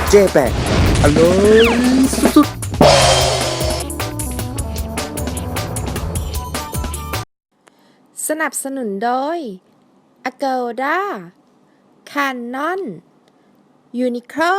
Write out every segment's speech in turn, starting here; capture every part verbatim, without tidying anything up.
เจแปนอร่อยสุดๆสนับสนุนโดย Agoda Canon Uniqlo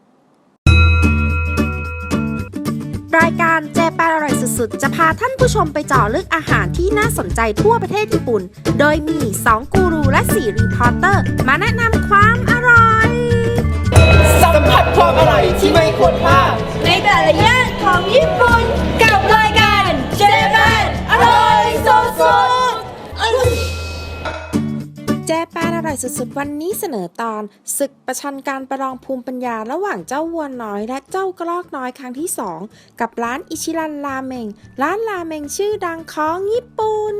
รายการเจแปนอร่อยสุดๆจะพาท่านผู้ชมไปเจาะลึกอาหารที่น่าสนใจทั่วประเทศญี่ปุ่นโดยมีสองกูรูและสี่รีพอร์เตอร์มาแนะนำความอร่อยสัมผัสความอร่อยที่ไม่ควรพลาดในแต่ละย่านของญี่ปุ่นกับรายการเจแปนอร่อยสุดๆเจแปนอร่อยสุดๆวันนี้เสนอตอนศึกประชันการประลองภูมิปัญญาระหว่างเจ้าวัวน้อยและเจ้ากระรอกน้อยครั้งที่สองกับร้านอิชิรันราเมงร้านราเมงชื่อดังของญี่ปุ่น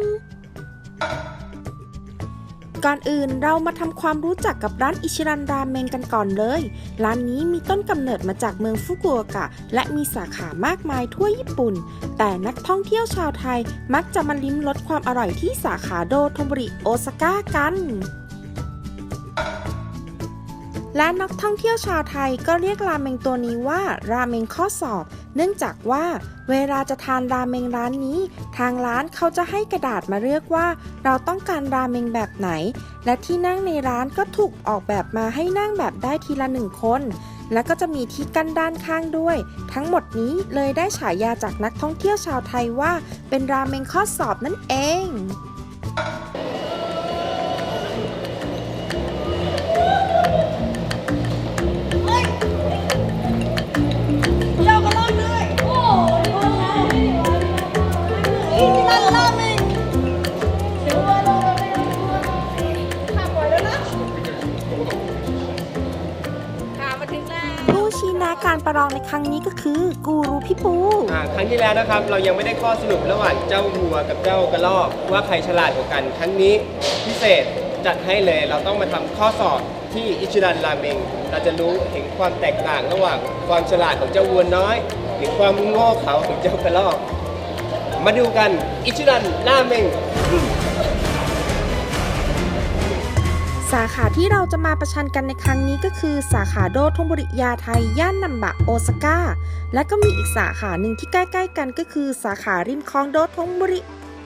ก่อนอื่นเรามาทำความรู้จักกับร้านอิชิรันราเมงกันก่อนเลยร้านนี้มีต้นกำเนิดมาจากเมืองฟุกุโอกะและมีสาขามากมายทั่วญี่ปุ่นแต่นักท่องเที่ยวชาวไทยมักจะมาลิ้มรสความอร่อยที่สาขาโดโทโมริโอซาก้ากันและนักท่องเที่ยวชาวไทยก็เรียกราเมงตัวนี้ว่าราเมงข้อสอบเนื่องจากว่าเวลาจะทานราเมงร้านนี้ทางร้านเขาจะให้กระดาษมาเลือกว่าเราต้องการราเมงแบบไหนและที่นั่งในร้านก็ถูกออกแบบมาให้นั่งแบบได้ทีละหนึ่งคนและก็จะมีที่กั้นด้านข้างด้วยทั้งหมดนี้เลยได้ฉายาจากนักท่องเที่ยวชาวไทยว่าเป็นราเมงข้อสอบนั่นเองการประลองในครั้งนี้ก็คือกูรูพี่ปูครั้งที่แล้วนะครับเรายังไม่ได้ข้อสรุประหว่างเจ้าวัวกับเจ้ากระรอกว่าใครฉลาดกว่ากันครั้งนี้พิเศษจัดให้เลยเราต้องมาทำข้อสอบที่อิชิรันราเมงเราจะรู้ถึงความแตกต่างระหว่างความฉลาดของเจ้าวัวน้อยหรือความโง่เขลาของเจ้ากระรอกมาดูกันอิชิรันราเมงสาขาที่เราจะมาประชันกันในครั้งนี้ก็คือสาขาโดโทโมริยาไทยย่านนัมบะโอซาก้าและก็มีอีกสาขาหนึ่งที่ใกล้ๆกันก็คือสาขาริมคลองโดโทโมริ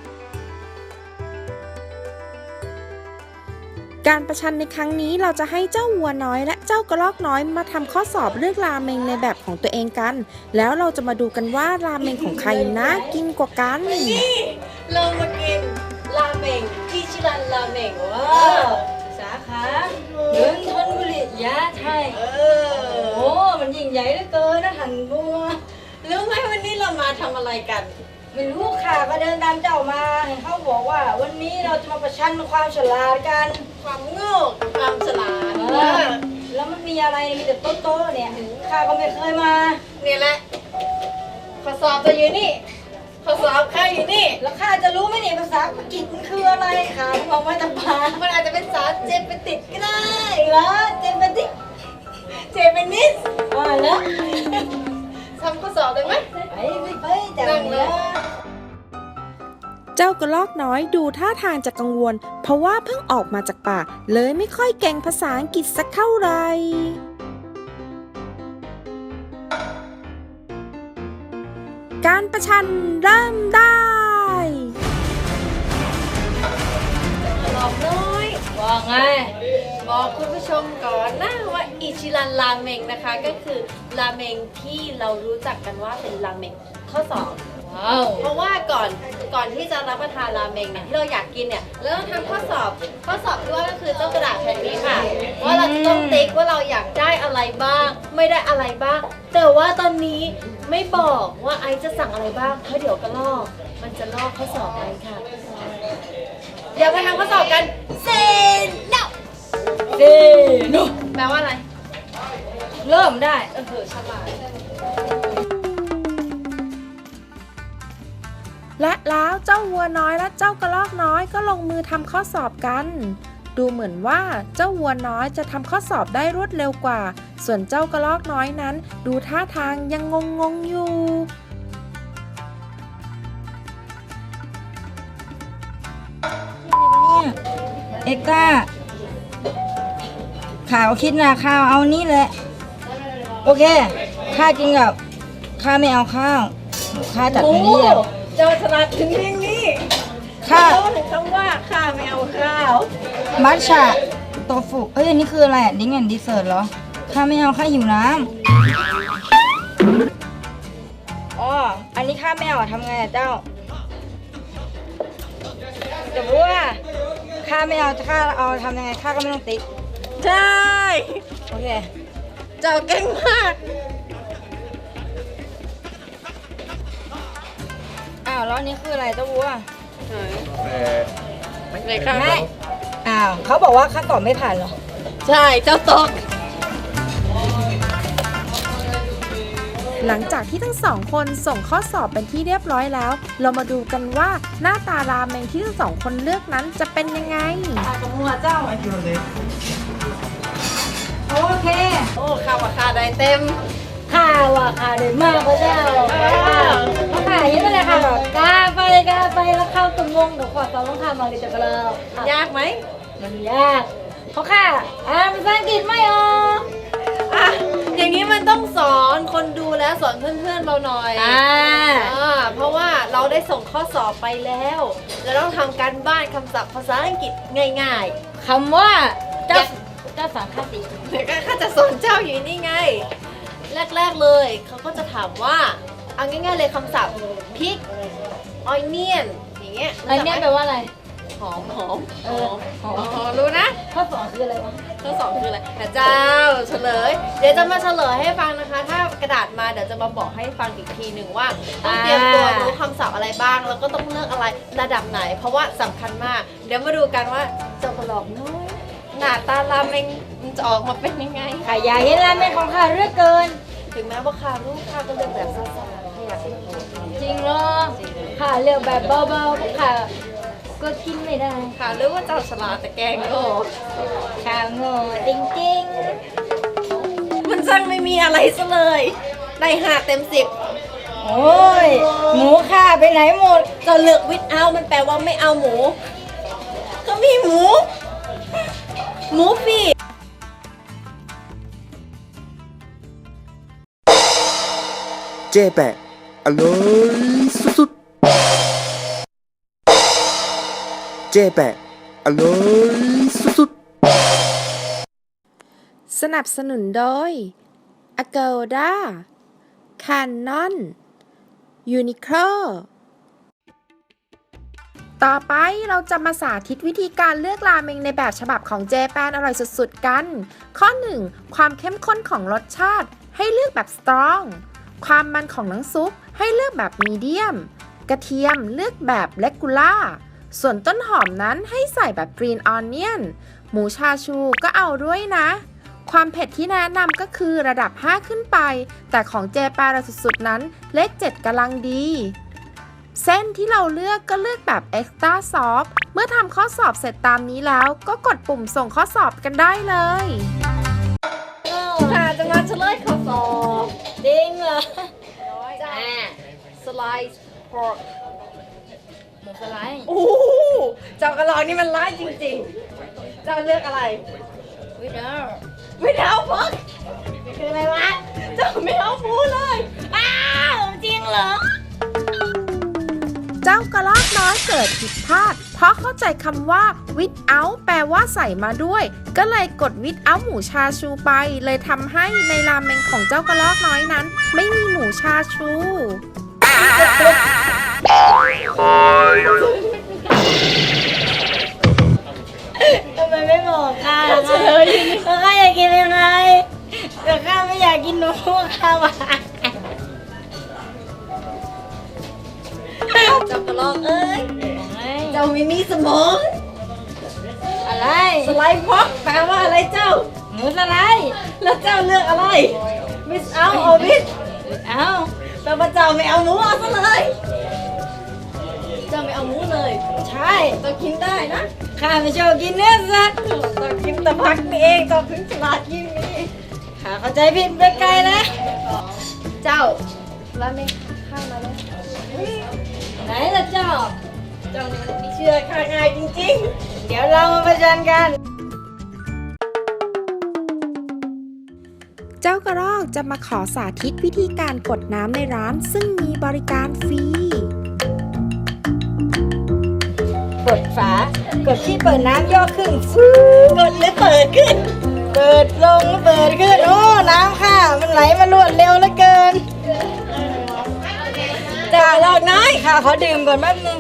การประชันในครั้งนี้เราจะให้เจ้าวัวน้อยและเจ้ากระรอกน้อยมาทำข้อสอบเลือกราเมงในแบบของตัวเองกันแล้วเราจะมาดูกันว่าราเมงของใครน่ากินกว่ากันนี่เรามากินราเมงอิชิรันราเมงว้าสาขาเมืองธนบุรียาไทยเออโอ้มันยิ่งใหญ่เหลือเกินนะหันบัวรู้ไหมวันนี้เรามาทำอะไรกันไม่รู้ค่ะก็เดินตามเจ้ามาเขาบอกว่าวันนี้เราจะมาประชันความฉลาดกันความโง่ความฉลาดแล้วมันมีอะไรมีแต่โต๊ะๆเนี่ยข้าก็ไม่เคยมาเนี่ยแหละข้อสอบจะอยู่นี่ข้อสอบข้าอยู่นี่แล้วข้าจะรู้ไหมเนี่ยภาษาอังกฤษมันคืออะไรค่ะมองมาตาปามันอาจจะเป็นภาษาเจแปนิสก็ได้เหรอเจแปนิสเจแปนิสว่าแล้วทำข้อสอบได้ไหมไปไปไปจังเลยเจ้ากระรอกน้อยดูท่าทางจะกังวลเพราะว่าเพิ่งออกมาจากป่าเลยไม่ค่อยเก่งภาษาอังกฤษสักเท่าไหร่การประชันเริ่มได้กระรอกน้อยว่าไงบอกคุณผู้ชมก่อนนะว่าอิชิรันราเมงนะคะก็คือราเมงที่เรารู้จักกันว่าเป็นราเมงข้อสอบว้าวเพราะว่าก่อนก่อนที่จะรับประทานราเมงเนี่ยที่เราอยากกินเนี่ยเราต้องทำข้อสอบข้อสอบที่ว่าก็คือเจ้ากระดาษแผ่นนี้ค่ะว่าเราต้องติ๊กว่าเราอยากได้อะไรบ้างไม่ได้อะไรบ้างแต่ว่าตอนนี้ไม่บอกว่าไอจะสั่งอะไรบ้างเพราะเดี๋ยวกระลอกมันจะลอกข้อสอบไอค่ะเดี๋ยวไปทำข้อสอบกันเซโนเซโนแปลว่าอะไรเริ่มได้เออฉลาดและแล้วเจ้าวัวน้อยและเจ้ากระรอกน้อยก็ลงมือทำข้อสอบกันดูเหมือนว่าเจ้าวัวน้อยจะทำข้อสอบได้รวดเร็วกว่าส่วนเจ้ากระรอกน้อยนั้นดูท่าทางยังงงๆอยู่เอ็กก้าข่าวคิดนะข่าวเอานี้แหละโอเคข้ากินกับข้าไม่เอาข้าวข้าจัดโอ้ให้เรียบเจ้าฉลาดถึงเพียงนี้ข้าเขาถึงคำว่าข้าไม่เอาข้าวมัทฉะโตฟุเอ้ยอันนี้คืออะไรอ่ะดิ้งแอนดีเซอร์เหรอข้าไม่เอาข้าหิวน้ำอ๋ออันนี้ข้าไม่เอาทำไงอ่ะเจ้าจะรู้ว่าข้าไม่เอาข้าเอาทำยังไงข้าก็ไม่ต้องติ๊กใช่โอเคเจ้าเก่งมากอ้าวแล้วอันนี้คืออะไรเจ้าวัวเลยค่ะไม่อ้าวเขาบอกว่าข้าตอบไม่ผ่านเหรอใช่เจ้าตกหลังจากที่ทั้งสองคนส่งข้อสอบเป็นที่เรียบร้อยแล้ว เรามาดูกันว่าหน้าตาราเมงที่ทั้งสองคนเลือกนั้นจะเป็นยังไงกับหัวเจ้าโอเคโอ้ข้าวว่าข้าได้เต็มข้าว่าข้าได้มากพระเจ้าเพราะข้าเห็นมาเลยค่ะแบบกาไปกาไปแล้วเข้าตรงงงเดี๋ยวขอสอนต้องข้ามาเลยจะกระเลาะยากไหมมันยากเพราะข้าอ่านภาษาอังกฤษไม่ออกอ่ะอย่างนี้มันต้องสอนคนดูและสอนเพื่อนๆเราหน่อยอ่าอ่าเพราะว่าเราได้ส่งข้อสอบไปแล้วเราต้องทำการบ้านคำศัพท์ภาษาอังกฤษง่ายคำว่าเจ้าเจ้าสามคติๆเดี๋ยวก็ข้าจะสอนเจ้าอยู่นี่ไง แรกๆเลยเขาก็จะถามว่าเอาง่ายๆเลยคำศัพท์พริก onion อย่างเงี้ยอันเนี้ยแปลว่าอะไรหอมหอมเออหอมอ๋อรู้นะข้อสองคืออะไรวะข้อสองคืออะไรแต่เจ้าเฉลย เดี๋ยวจะมาเฉลยให้ฟังนะคะ ถ้ากระดาษมาเดี๋ยวจะมาบอกให้ฟังอีกทีหนึ่งว่าต้องเตรียมตัวรู้คำศัพท์อะไรบ้าง แล้วก็ต้องเลือกอะไรระดับไหน เพราะว่าสำคัญมาก เดี๋ยวมาดูกันว่าเจ้ากระหลอกน้อยหน้าตาราเมงมันจะออกมาเป็นยังไงข้าอยากเห็นราเมงของข้าเรื่อเกินถึงแม้ว่าข้ารู้ข้าก็เลือกแบบซ่าๆไม่อยากเลือกแบบจริงเหรอข้าเลือกแบบเบาๆเพราะข้าก็กินไม่ได้ค่ะรู้ว่าเจ้าฉลาดแต่แกงโง่ข้าโง่จริงมันช่างไม่มีอะไรซะเลยได้ห้าเต็มสิบๆ โอ้ย หมูข้าไปไหนหมดจะเลือกวิดเอามันแปลว่าไม่เอาหมู ก็มีหมู หมูปีกเจ๊แปะอร่อยสุดๆเจ๊แปะอร่อยสุดๆสนับสนุนโดย Agoda Canon Uniqlo ต่อไปเราจะมาสาธิตวิธีการเลือกราเมงในแบบฉบับของเจแปนอร่อยสุดๆกัน ข้อ หนึ่ง ความเข้มข้นของรสชาติให้เลือกแบบสตรอง ความมันของน้ำซุปให้เลือกแบบมีเดียม กระเทียมเลือกแบบเลกูล่า ส่วนต้นหอมนั้นให้ใส่แบบกรีนออนเนียน หมูชาชูก็เอาด้วยนะ ความเผ็ดที่แนะนำก็คือระดับห้าขึ้นไป แต่ของเจแปนสุดๆนั้นเลขเจ็ดกำลังดี เส้นที่เราเลือกก็เลือกแบบ Extra Soft เมื่อทำข้อสอบเสร็จตามนี้แล้วก็กดปุ่มส่งข้อสอบกันได้เลยค่ะจะมาเฉลยข้อสอบจริงเหรอจ้าสไลซ์พอร์กหมูสไลด์โอ้โหเจ้ากระลอกนี่มันร้ายจริงๆ เจ้าเลือกอะไรวิดเดอร์ไม่เอาพอกคืออะไรวะ เจ้าไม่เอาหมูเลย อ้าวจริงเหรอเจ้ากระรอกน้อยเกิดผิดพลาด เพราะเข้าใจคำว่า without แปลว่าใส่มาด้วย ก็เลยกด without หมูชาชูไป เลยทำให้ในราเมงของเจ้ากระรอกน้อยนั้น ไม่มีหมูชาชูทำไมไม่บอกข้าเฉยแล้วข้าอยากกินยังไงแต่ข้าไม่อยากกินหนูข้าว่าเจ้ากระลอกเอ้ย เจ้าไม่มีสมองอะไรสไลด์พอกแปลว่าอะไรเจ้าหมูสไลด์แล้วเจ้าเลือกอะไร มิสเอาเอาวิสเอ้าแปลว่าเจ้าไม่เอาหมูเอาซะเลย เจ้าไม่เอาหมูเลยใช่เจ้ากินได้นะข้าไม่ชอบกินเนื้อสัตว์เจ้ากินแต่ผักนี่เองเจ้าถึงฉลาดยิ่งนี้ข้าเข้าใจผิดไปไกลแล้วเจ้าแล้วไม่ข้างมาเลยไหนล่ะเจ้าเจ้านี่มันไม่เชื่อข้าง่ายจริงเดี๋ยวเรามาประชันกันเจ้ากระรอกจะมาขอสาธิตวิธีการกดน้ำในร้านซึ่งมีบริการฟรีกดฝากดที่เปิดน้ำย่อขึ้นฟูกดแล้วเปิดขึ้น เปิดลงแล้วเปิดขึ้นโอ้น้ำค่ะมันไหลมารวดเร็วเหลือเกินจ้าลอกน้อยค่ะขอดื่มก่อนแป๊บนึง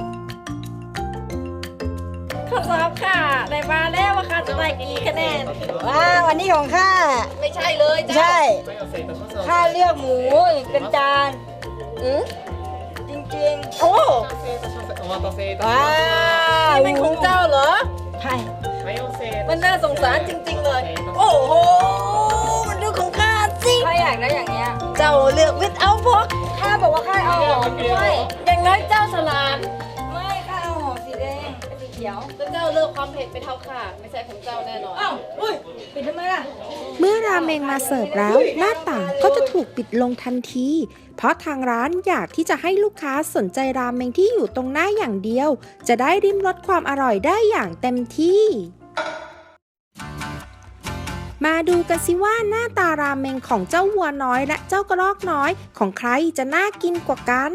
ข้อสอบค่ะได้มาแล้วว่าค่ะจะได้กี่คะแนนว้าวันนี้ของข้าไม่ใช่เลยจ้าใช่ข้าเลือกหมูเป็นจานอือจริงๆโอ้お待たせいたしว้าまวเป็นของเจ้าเหรอใช่す。マヨネーズมันน่าสงสารจริง ๆเลย โอ้โห มันดูของข้าสิข้าอยากได้อย่างเงี้ยเจ้าเลือกวิทเอาพวกข้าบอกว่าข้าเอาหอมด้วยอย่างน้อยเจ้าฉลาดไม่ข้าเอาหอมสีแดงกับสีเขียวแต่เจ้าเลือกความเผ็ดไปเท่าข้าไม่ใช่ของเจ้าแน่นอนอ้าวอุ้ยปิดทำไมล่ะเมื่อราเมงมาเสิร์ฟแล้ว หน้าต่างก็จะถูกปิดลงทันที เพราะทางร้านอยากที่จะให้ลูกค้าสนใจราเมงที่อยู่ตรงหน้าอย่างเดียว จะได้ริมรสความอร่อยได้อย่างเต็มที่ มาดูกันสิว่าหน้าตาราเมงของเจ้าวัวน้อยและเจ้ากระรอกน้อยของใครจะน่ากินกว่ากัน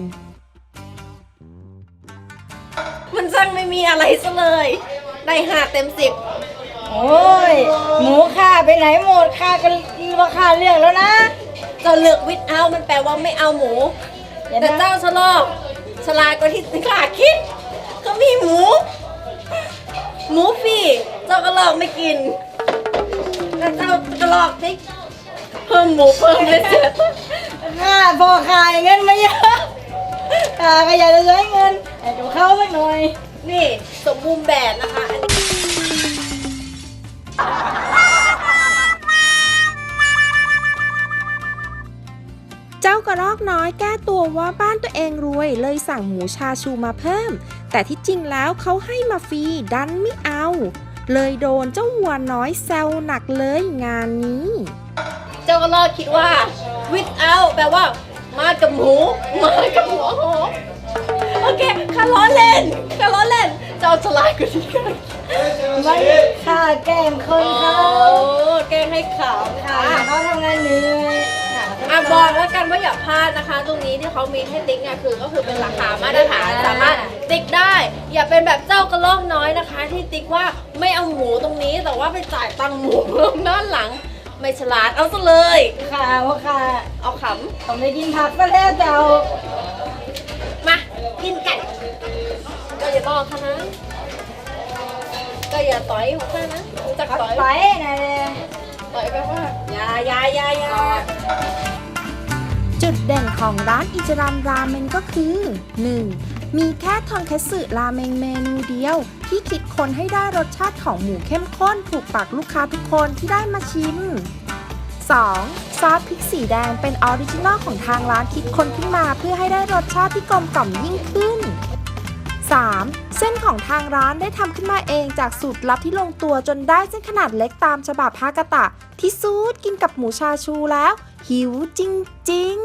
มันช่างไม่มีอะไรซะเลยได้ห้าเต็มสิบโอ้ยหมูข้าไปไหนหมดข้าก็ว่าข้าเลือกแล้วนะเจ้าเลือกวิทเอามันแปลว่าไม่เอาหมูอย่าแต่นะเจ้าฉลาดฉลาดกว่าที่ข้าคิด ก็มีหมู หมูฟรีเจ้าก็ลอกไม่กินแต่เจ้าก็ลอกสิเพิ่มหมูเพิ่มเลยเสร็จข้าพอขายเงินมาเยอะข้าก็อยากจะใช้เงินให้กับเขาสักหน่อยนี่สมบูรณ์แบบนะคะอันนี้เจ้ากระรอกน้อยแก้ตัวว่าบ้านตัวเองรวยเลยสั่งหมูชาชูมาเพิ่ม แต่ที่จริงแล้วเขาให้มาฟรีดันไม่เอา เลยโดนเจ้าวัวน้อยแซวหนักเลยงานนี้เจ้าก็ลอกคิดว่า without แปลว่า มากับหมูมากับหัวหอมโอเคข้าล้อเล่นข้าล้อเล่น เจ้าฉลาดกว่าที่ข้าไม่ข้าแกล้งคนเขาโอ้แกล้งให้ขำข้าค่ะเขาทำงานเหนื่อยอ่ะบอกแล้วกันว่าอย่าพลาดนะคะ ตรงนี้ที่เขามีให้ติ๊กเนี่ยคือก็คือเป็นราคามาตรฐานสามารถติ๊กได้ อย่าเป็นแบบเจ้ากระรอกน้อยนะคะ ที่ติ๊กว่าไม่เอาหมูตรงนี้แต่ว่าไปจ่ายตังค์หมูเพิ่มด้านหลัง ไม่ฉลาดเอาซะเลยข้าว่าข้าเอาขต้องไปกินผักก็แล้วเจ้าำมากินกันก็อย่าบอกค่ะนะก็อย่าต่อยของข้านะรู้จักขับต่อยไปนะเลยต่อยไปว่าอย่าอย่าอย่าอย่าจุดเด่นของร้านอิจิรันราเมงก็คือ หนึ่ง มีแค่ทอนคัตสึราเมงเมนูเดียว ที่คิดค้นให้ได้รสชาติของหมูเข้มข้นถูกปากลูกค้าทุกคนที่ได้มาชิม สอง ซอสพริกสีแดงเป็นออริจินอลของทางร้านคิดค้นขึ้นมาเพื่อให้ได้รสชาติที่กลมกล่อมยิ่งขึ้น สาม เส้นของทางร้านได้ทำขึ้นมาเองจากสูตรลับที่ลงตัวจนได้เส้นขนาดเล็กตามฉบับฮากาตะ ที่ซูดกินกับหมูชาชูแล้ว หิวจริง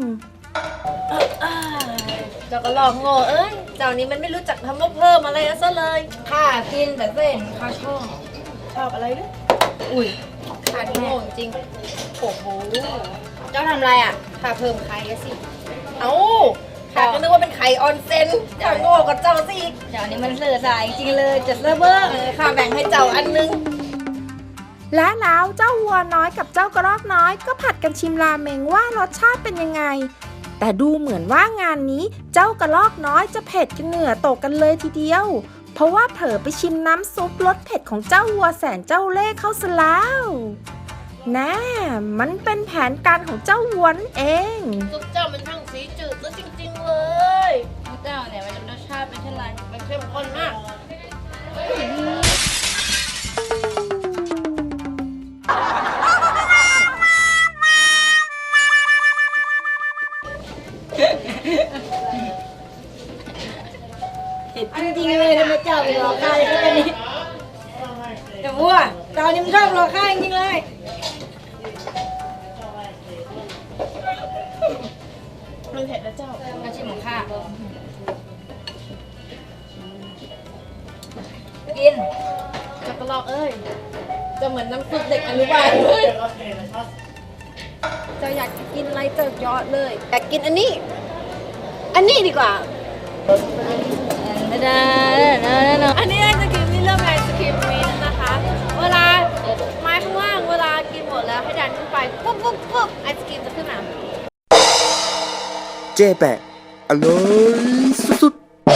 ๆเจ้าก็ลอกโง่เอ้ยเจ้านี้มันไม่รู้จักทำว่าเพิ่มอะไรซะเลยข้ากินแต่เส้นข้าชอบชอบอะไรด้วยอุ้ยขาดโง่จริงโอ้โหเจ้าทำอะไรอ่ะข้าเพิ่มไข่อะสิ เอ้าข้าก็นึกว่าเป็นไข่ออนเซนข้าโง่กับเจ้าสิอีกเดี๋ยวนี้มันเสือสายจริงเลยจะเสือเบอร์เออข้าแบ่งให้เจ้าอันนึงและแล้วเจ้าวัวน้อยกับเจ้ากระรอกน้อยก็ผัดกันชิมราเมงว่ารสชาติเป็นยังไง แต่ดูเหมือนว่างานนี้เจ้ากระรอกน้อยจะเผ็ดกันเหงื่อตกกันเลยทีเดียว เพราะว่าเผลอไปชิมน้ำซุปรสเผ็ดของเจ้าวัวแสนเจ้าเล่ห์เข้าซะแล้วแน่มันเป็นแผนการของเจ้าวัวนั่นเองซุปเจ้ามันช่างสีจืดซะจริงๆเลยเจ้าเนี่ยมันรสชาติเป็นเช่นไรมันเข้มข้นมากจริงๆเลยทำไมเจ้าไปรอข้าอย่างนี้แต่วัวเจ้านี่มันชอบรอข้าจริงๆเลยมันเผ็ดนะเจ้าอาชีพของข้ากินจักรลอกเอ้ยจะเหมือนน้ำซุปเด็กอนุบาลเลยเจะอยากกินอะไรเจอยอดเลยอยากกินอันนี้ อันนี้ดีกว่าอันนี้ไอศครีมนี่เริ่มไอศครีมมิ้นท์นะคะ เวลาไม้ข้างล่างเวลากินหมดแล้วให้ดันขึ้นไปปุ๊บปุ๊บปุ๊บไอศครีมจะขึ้นมาเจ๊แปะอร่อยสุด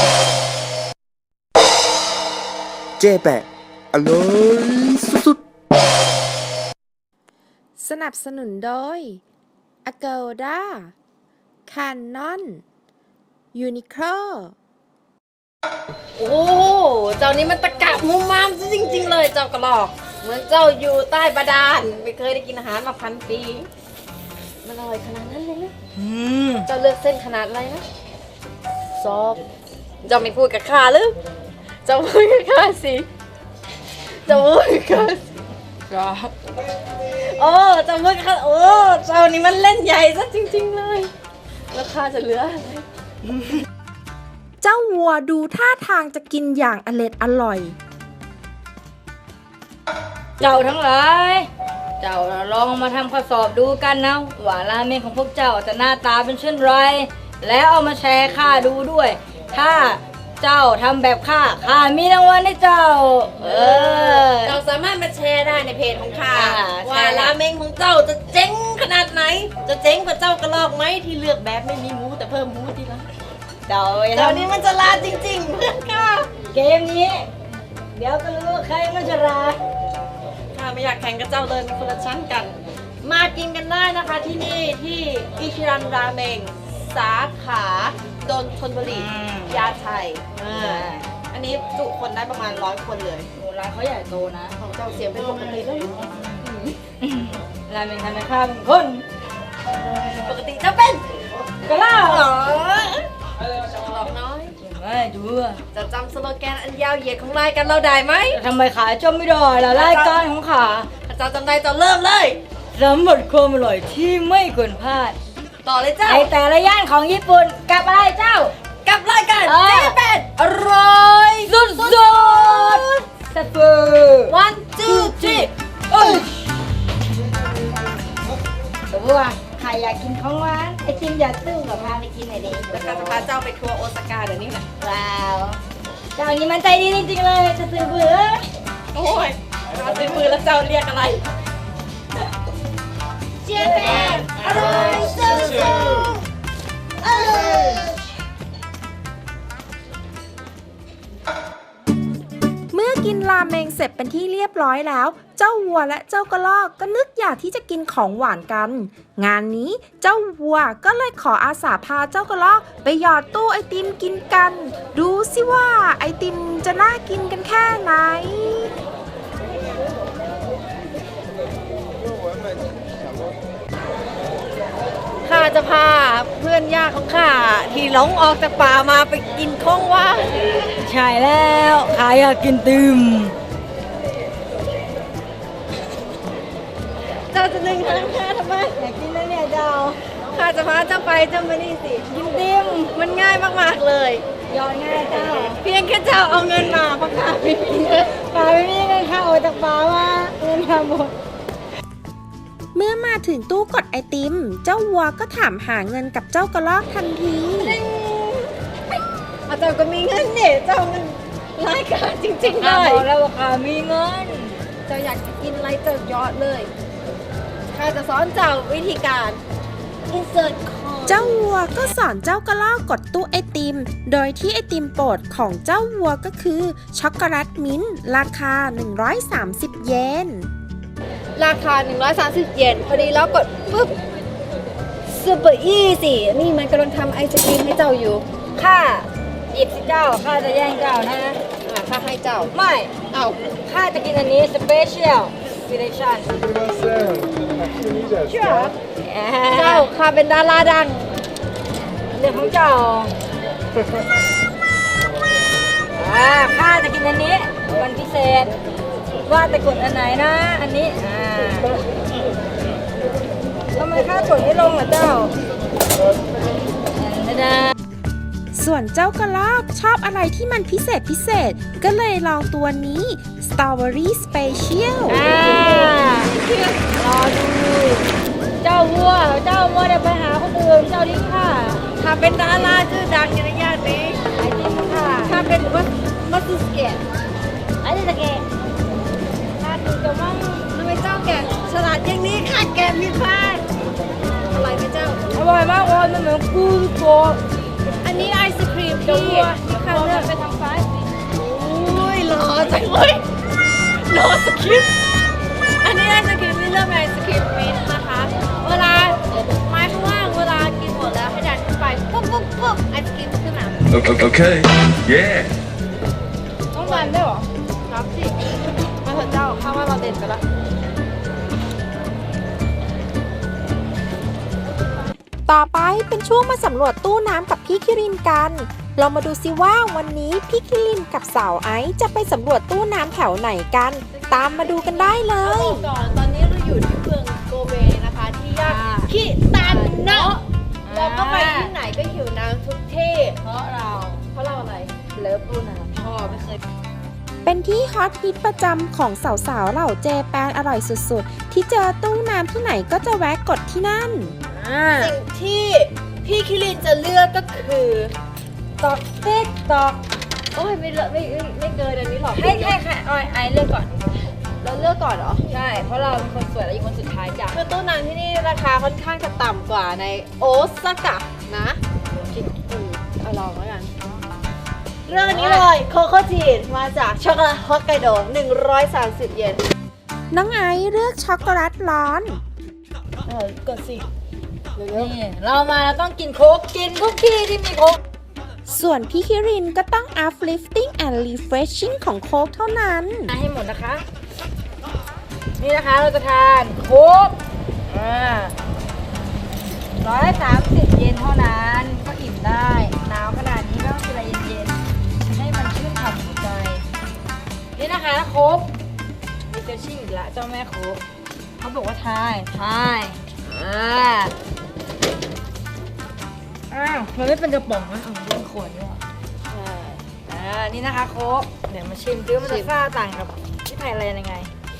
ๆเจ๊แปะอร่อยสุดๆสนับสนุนโดย Agoda Canon Uniqlo โอ้เจ้านี้มันตะกะมุมมามซะจริง ๆ เลยเจ้ากระหลอกเหมือนเจ้าอยู่ใต้บาดาลไม่เคยได้กินอาหารมาพันปีมันอร่อยขนาดนั้นเลยนะเจ้าเลือกเส้นขนาดอะไรนะซอกเจ้าไม่พูดกับข้าหรือเจ้าพูดกับข้าสิเจ้าพูดกับข้าสิโอ้เจ้าพูดกับข้าโอ้เจ้านี่มันเล่นใหญ่ซะจริง ๆ เลยแล้วข้าจะเหลืออะไรเจ้าวัวดูท่าทางจะกินอย่างอร็ดอร่อยเจ้าทั้งหลายเจ้าลองมาทำข้อสอบดูกันนะว่าราเมงของพวกเจ้าจะหน้าตาเป็นเช่นไรแล้วเอามาแชร์ข้าดูด้วย ถ้าเจ้าทำแบบข้าข้ามีรางวัลให้เจ้าเออเราสามารถมาแชร์ได้ในเพจของข้าอ่าว่าใช่ราเมงของเจ้าจะเจ๊งขนาดไหน จะเจ๊งกว่าเจ้ากระลอกไหมที่เลือกแบบไม่มีหมูแต่เพิ่มหมูทีละเจ้าไปเจ้าทำนี้มันจะลาจริงๆเพื่อนข้าเกมนี้ เดี๋ยวก็รู้ว่าใครมันจะราข้าไม่อยากแข่งกับเจ้าเลยมันคนละชั้นกัน มากินกันได้นะคะที่นี่ที่อิชิรันราเมงสาขาโดนชนบุรียาไทยอ่าอันนี้จุคนได้ประมาณร้อยคนเลยโอ้ร้านเขาใหญ่โตนะของเจ้าเสียงเป็นปกติแล้วราเมงทำให้ข้าเป็นคนปกติจะเป็นกระล่าหรอหลอกน้อยไม่ดูอะจะจำสโลแกนอันยาวเหยียดของรายการเราได้ไหมทำไมขายจมไม่ได้ล่ะรายการของข้าถ้าเจ้าจำได้เจ้าเริ่มเลยสำหรับความอร่อยที่ไม่ควรพลาดต่อเลยเจ้าในแต่ละย่านของญี่ปุ่นกับอะไรเจ้ากับรายการเออเจ๊เป็ดอร่อยสุดสุดๆสเปอร์ๆ one two three เอ้ยแต่ว่าใครอยากกินของหวานไอติมอยากตื้มกับพาไปกินหน่อยดิแล้วก็จะพาเจ้าไปทัวร์โอซาก้าเดี๋ยวนี้แหละว้าวเจ้านี้มันใจดีจริงๆเลยจะซื้อเบื่อโอ้ยมาซื้อมือแล้วเจ้าเรียกอะไรเจ๊เป็ดอร่อยสุดๆเออเมื่อกินราเมงเสร็จเป็นที่เรียบร้อยแล้ว เจ้าวัวและเจ้ากระรอกก็นึกอยากที่จะกินของหวานกัน งานนี้เจ้าวัวก็เลยขออาสาพาเจ้ากระรอกไปหยอดตู้ไอติมกินกัน ดูสิว่าไอติมจะน่ากินกันแค่ไหนข้าจะพาเพื่อนยากของข้าที่หลงออกจากป่ามาไปกินของหว่านใช่แล้วขายอยากกินติมเจ้าจะดึงทางข้าทำไมอยากกินแล้วเนี่ยเจ้าข้าจะพาเจ้าไปเจ้ามานี่สิกินติมมันง่ายมากๆเลยยอดง่ายเจ้าเพียงแค่เจ้าเอาเงินมาเพราะข้าไม่มีเงินป่าไม่มีเงินเข้าออกจากป่ามาเงินทำหมดเมื่อมาถึงตู้กดไอติม เจ้าวัวก็ถามหาเงินกับเจ้ากระรอกทันทีอาเจ้าก็มีเงินเนี่ยเจ้ามันรายการจริงๆเลข้าย บอกแล้วว่าข้ามีเงินเจ้าอยากจะกินอะไรเจ้ายอดเลยข้าจะสอนเจ้าวิธีการ insert code เจ้าวัวก็สอนเจ้ากระรอกกดตู้ไอติม โดยที่ไอติมโปรดของเจ้าวัวก็คือช็อกโกแลตมิ้นท์ราคา หนึ่งร้อยสามสิบ เยนราคา หนึ่งร้อยสามสิบ เยนพอดีแล้วกดปุ๊บซูเปอร์อีสินี่มันกำลังทำไอศกรีมให้เจ้าอยู่ข้าหยิบสิเจ้าข้าจะแย่งเจ้านะอ่าข้าให้เจ้าไม่เอาข้าจะกินอันนี้ special selection เชื่อเจ้าข้าเป็นดาราดังเรื่องของเจ้าอ่าข้าจะกินอันนี้วันพิเศษ ว่าแต่กดอันไหนนะ อันนี้อ่าทำไมข้ากดไม่ลงล่ะเจ้าส่วนเจ้ากระรอกชอบอะไรที่มันพิเศษพิเศษ ก็เลยลองตัวนี้ Strawberry Special อ่ารอดู เจ้าวัว เจ้าวัวเดี๋ยวไปหาคนอื่น เจ้าดิ้งค่ะถ้าเป็นดาราชื่อดังในย่านนี้ไอ้ดิ้งค่ะถ้าเป็นมัสมัสสเกตไอ้ดิ้งตะเกะถ้าดูจะมั่งทำไมเจ้าแกะฉลาดอย่างนี้ค่ะแกะมีพลาดอะไรไหมเจ้าอร่อยมากเลยมันเหมือนกูตัวอันนี้ไอศครีมเจ้าที่วัวที่ข้าข้างเลืเลืออก กไปทางซ้ายอุ้ยหล่อจังเลยหล่อสคริปต์อันนี้ไอศครีมที่เลือกเป็นไอศครีมมิ้นท์นะคะ เวลาไม้ข้างล่างเวลากินหมดแล้วให้ดันขึ้นไปปุ๊บปุ๊บปุ๊บไอศครีมขึ้นมา Okay. Yeah. ต้องการได้วยเหรอรับสิมาเถอะเจ้าข้าว่าเราเด่นไปละต่อไปเป็นช่วงมาสำรวจตู้น้ำกับพี่คิรินกัน เรามาดูซิว่าวันนี้พี่คิรินกับสาวไอซ์จะไปสำรวจตู้น้ำแถวไหนกัน ตามมาดูกันได้เลเอายบอกก่อนตอนนี้เราอยู่ที่เมืองโกเบนะคะที่ย่านคิตันเนาะเราก็ไปที่ไหนก็หิวน้ำทุกที่เพราะเราเพราะเราอะไรเลิฟตู้น้ำชอบไม่เคยเป็นที่ฮอตฮิตประจำของสาวๆเหล่าเจแปนอร่อยสุดๆ ที่เจอตู้น้ำที่ไหนก็จะแวะกดที่นั่นสิ่งที่พี่คิรินจะเลือกก็คือตอกเต๊กตอกโอ้ยไม่เลอะไม่ไม่ไม่เกินอันนี้หรอกให้ให้ให้ออยไอเลือกก่อนเราเลือกก่อนเหรอใช่ เพราะเราเป็นคนสวยและอยู่คนสุดท้ายจ้ะคือตู้น้ำที่นี่ราคาค่อนข้างจะต่ำกว่าในโอซาก้านะคิดอืมเอาลองแล้วกัน เรื่องนี้เลยโคโค่จีนมาจากช็อกโกแลตฮอกไกโดหนึ่งร้อยสามสิบเยนน้องไอซ์เลือกช็อกโกแลตร้อนเออกดสิเร็วนี่เรามาเราต้องกินโค้กกินทุกที่ที่มีโค้กส่วนพี่คิรินก็ต้อง uplifting and refreshing ของโค้กเท่านั้นให้หมดนะคะ นี่นะคะเราจะทานโค้กอ่าร้อยสามสิบเยนเท่านั้นก็อิ่มได้หนาวขนาดนี้ก็ต้องกินอะไรเย็นๆให้มันชื่นฉ่ำหัวใจ นี่นะคะโค้กมีเฟชชิ่งอีกแล้วเจ้าแม่โค้กเขาบอกว่าทายทายอ่าอ้าวมันไม่เป็นกระป๋องนะเอาเป็นขวดด้วยเหรอๆใช่อ่า นี่นะคะโค้กเดี๋ยวมาชิมดูว่ามันชิจะมซ่าต่างกับที่ไทยอะไรยังไง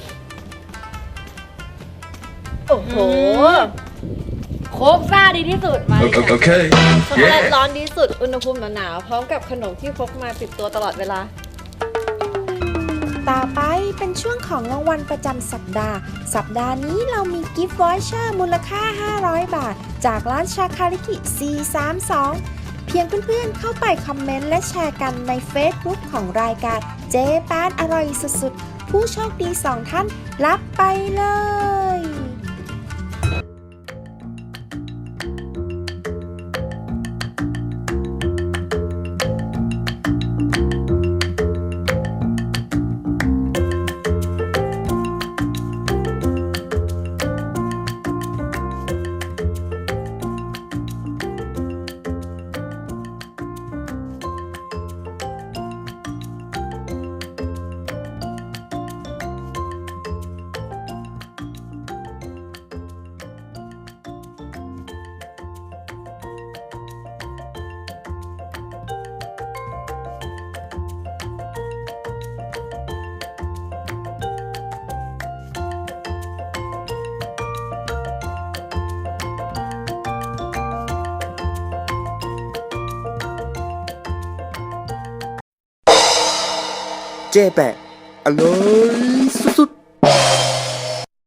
โอ้โหโค้กซ่าดีที่สุดมาเลยค่ะ Okay. ช็อกโกแลต Yeah. ร้อนดีสุด อุณหภูมิหนาวๆพร้อมกับขนมที่พกมาติดตัวตลอดเวลาต่อไปเป็นช่วงของรางวัลประจำสัปดาห์ สัปดาห์นี้เรามีกิฟต์วอยเชอร์มูลค่า ห้าร้อย บาท จากร้านชาคาริกิ สี่สามสอง เพียงเพื่อนๆเข้าไปคอมเมนต์และแชร์กันใน Facebook ของรายการเจแปนอร่อยสุดๆ ผู้โชคดีสองท่านรับไปเลยเจ๊แปะอร่อย